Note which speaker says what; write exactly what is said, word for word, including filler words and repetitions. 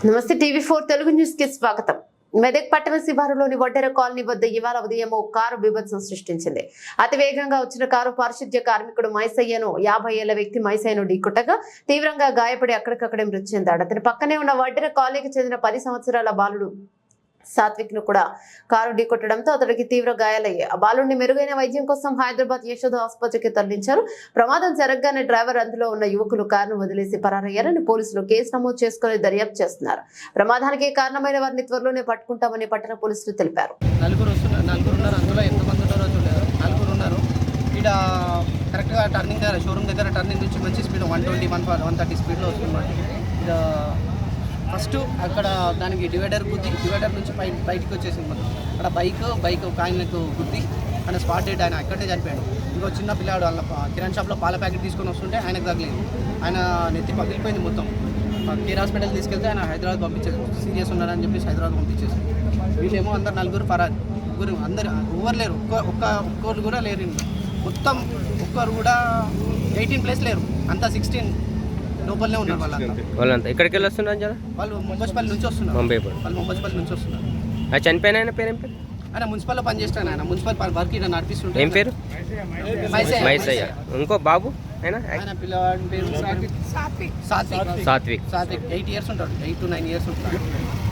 Speaker 1: నమస్తే TV four Telugu news కి స్వాగతం. మెదక్ పట్టణ శివారులోని వడ్డెర కాలనీ వద్ద ఇవాళ ఉదయం ఓ కారు బీభత్సం సృష్టించింది. అతి వేగంగా వచ్చిన కారు పారిశుద్ధ్య కార్మికుడు మైసయ్యను యాభై ఏళ్ల వ్యక్తి మైసయ్యను ఢీకొట్టగా తీవ్రంగా గాయపడి అక్కడికక్కడే మృతి చెందాడు. అతని పక్కనే ఉన్న వడ్డెర కాలనీకి చెందిన పది సంవత్సరాల బాలుడు సాత్విక్ ను కూడా కారు ఢీకొట్టడంతో అతడికి తీవ్ర గాయాలయ్యాయి. ఆ బాలుడిని మెరుగైన వైద్యం కోసం హైదరాబాద్ యశోద ఆసుపత్రికి తరలించారు. ప్రమాదం జరగగానే డ్రైవర్ అందులో ఉన్న యువకులు కారును వదిలేసి పరారయ్యారని పోలీసులు కేసు నమోదు చేసుకుని దర్యాప్తు చేస్తున్నారు. ప్రమాదానికి కారణమైన వారిని త్వరలోనే పట్టుకుంటామని పట్టణ పోలీసులు తెలిపారు.
Speaker 2: నలుగురు వస్తున్నారు, నలుగురు ఉన్నారు. అందులో ఎంతమంది ఉన్నారో చూడలేదు. నలుగురు ఉన్నారు. ఇక్కడ కరెక్ట్గా టర్నింగ్ దగ్గర షోరూమ్ దగ్గర టర్నింగ్ నుంచి మంచి speed one twenty one one thirty స్పీడ్లో వస్తున్నారు. ఇక్కడ ఫస్ట్ అక్కడ దానికి డివైడర్ గుద్ది డివైడర్ నుంచి బయ బయటికి వచ్చేసింది. మనం అక్కడ బైక్ బైక్ ఒక ఆయనకు గుద్ది ఆయన స్పాట్ డెడ్, ఆయన అక్కడే చనిపోయాడు. ఇంకో చిన్న పిల్లాడు వాళ్ళ కిరాణ్ షాప్లో పాల ప్యాకెట్ తీసుకొని వస్తుంటే ఆయనకు తగలేదు. ఆయన నెత్తి పగిలిపోయింది మొత్తం. కేర్ హాస్పిటల్ తీసుకెళ్తే ఆయన హైదరాబాద్ పంపించేది, సీరియస్ ఉన్నారని చెప్పేసి హైదరాబాద్ పంపించేసి. వీళ్ళేమో అందరు నలుగురు పరాది, ముగ్గురు అందరు ఎవరు లేరు. ఒక్క ఒక్క ఒక్కరు కూడా లేరు. మొత్తం ఒక్కరు కూడా ఎయిటీన్ ప్లేస్ లేరు, అంతా సిక్స్టీన్ లోపలనే ఉన్నారు. వాళ్ళంతా
Speaker 3: వాళ్ళంతా ఎక్కడికి వెళ్ళి వస్తున్నారు జర?
Speaker 2: వాళ్ళు ముంబైపల్లి నుంచి వస్తున్నారు.
Speaker 3: ముంబై
Speaker 2: వాళ్ళు ముంబైపల్లి నుంచి వస్తున్నారు.
Speaker 3: ఆ చనిపోయిన ఆయన పేరు ఏం పేరు?
Speaker 2: ఆయన మున్సిపల్లో పనిచేస్తాను. ఆయన మున్సిపల్ వర్క్ ఇక్కడ నడిపిస్తుంటే.
Speaker 3: ఏం పేరు? మైసయ్య. ఇంకో బాబు ఆయన
Speaker 2: ఆయన పిల్లవాడి పేరు సాత్విక్. సాత్విక్
Speaker 3: సాత్విక్
Speaker 2: సాత్విక్ ఎయిట్ ఇయర్స్ ఉంటాడు, ఎయిట్ టు నైన్ ఇయర్స్ ఉంటాడు.